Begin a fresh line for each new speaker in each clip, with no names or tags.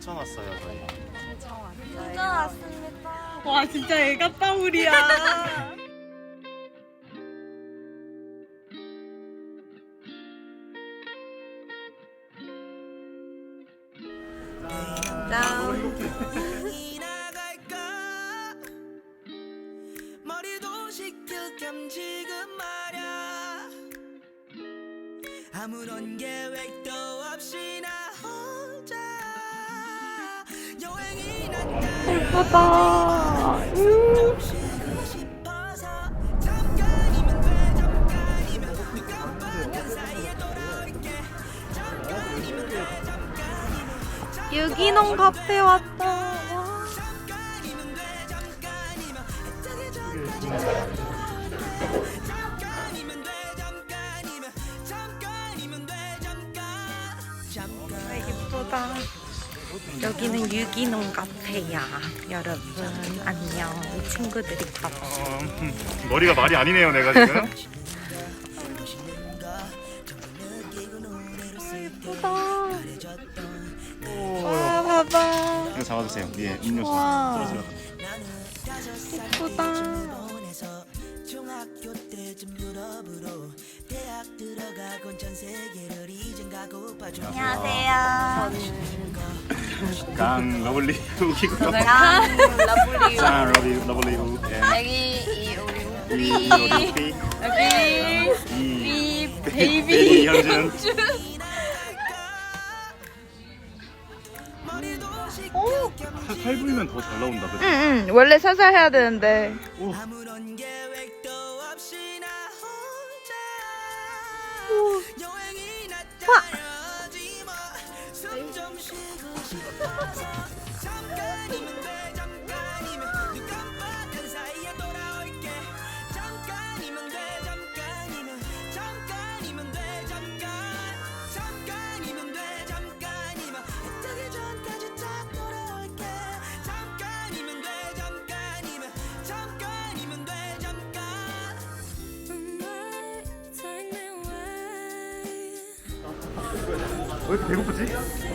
춘천 왔어요 저희.
춘천 왔습니다.
와 진짜 애가 빠울이야.
짠.
머리도 식힐 겸 지금 말야 아무런 계획도 없이 나 혼자 여행이
예쁘다.
쉬고 싶어서 잠깐이면 돼 잠깐이면 눈 깜빡한 사이에 돌아올게 잠깐이면 돼 잠깐이면
유기농 카페 왔다. 와.
잠깐이면 돼 잠깐이면 애타게 전까지 잠깐이면 돼 잠깐이면 잠깐이면 돼 잠깐
예쁘다. 여기는 유기농 카페야. 여러분 안녕. 이 친구들이 가봐.
머리가 말이 아니네요 내가 지금.
예쁘다. 와 봐봐.
이거 잡아주세요. 위에 음료수
와.
떨어지면.
예쁘다.
중학교 때쯤 유럽으로 대학 들어가곤 전 세계를 이젠 가고파
안녕하세요.
강 러블리 우기고요.
짠. 러블리.
짠 러블리 우.
여기 우리
이 어디
여기
이
베이비
현준. 팔 불면 더 잘 나온다 그래.
응. 원래 살살 해야 되는데.
오.
아무런 계획도 없이 나 혼자 여행이 나타나지 뭐숨좀 쉬고 싶어서 잠깐이면 돼 잠깐이면 눈 깜빡한 사이에 돌아올게 잠깐이면 돼 잠깐이면 잠깐이면 돼 잠깐이면 돼 잠깐이면 애타기 전까지 딱 돌아올게 잠깐이면 돼 잠깐이면 잠깐이면 돼 잠깐
왜 이렇게 배고프지?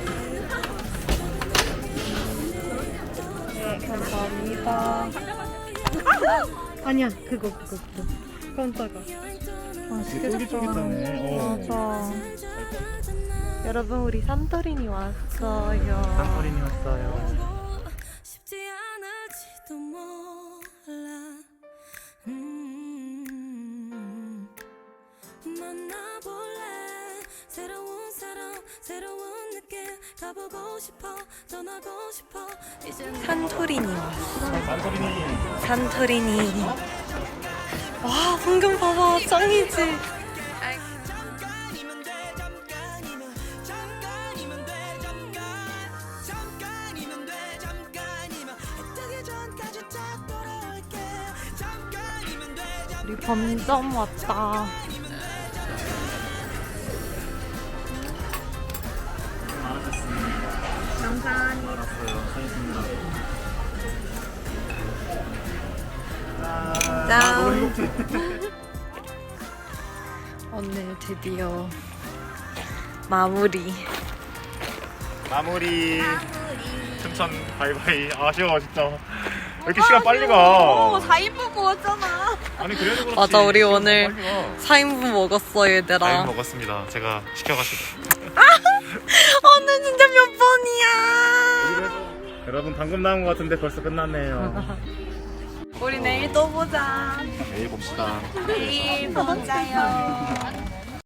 네, 감사합니다.
아니야 그거. 깜짝아.
맛있겠다.
쫄깃쫄깃하네.
맞아. 여러분 우리 산토리니 왔어요.
산토리니 왔어요.
쉽지 않을지도 몰라 만나볼래 새로운 사람 새로운 느낌 가보고 싶어 떠나고 싶어 이젠
산토리니 왔어.
산토리니.
산토리니. 와 풍경 봐봐 짱이지.
잠깐이면 돼 잠깐이면 잠깐이면 돼 잠깐이면 돼 잠깐이면 애타기 전까지 딱 돌아올게 잠깐이면 돼
우리 범점 왔다. 감사합니다.
알았어요. 사겠습니다.
짠.
너무 행복해.
오늘 드디어 마무리.
마무리. 춘천 바이바이. 아쉬워 진짜. 왜 이렇게 시간 빨리 가?
4인분 먹었잖아.
아니 그래도 그렇지.
맞아, 우리
시간
오늘
빨리 가.
4인분 먹었어 얘들아.
잘 먹었습니다. 제가 시켜가지고.
오늘 진짜 몇 번이야.
여러분 방금 나온 것 같은데 벌써 끝났네요.
우리 내일 또 보자.
내일 봅시다.
내일 보자요.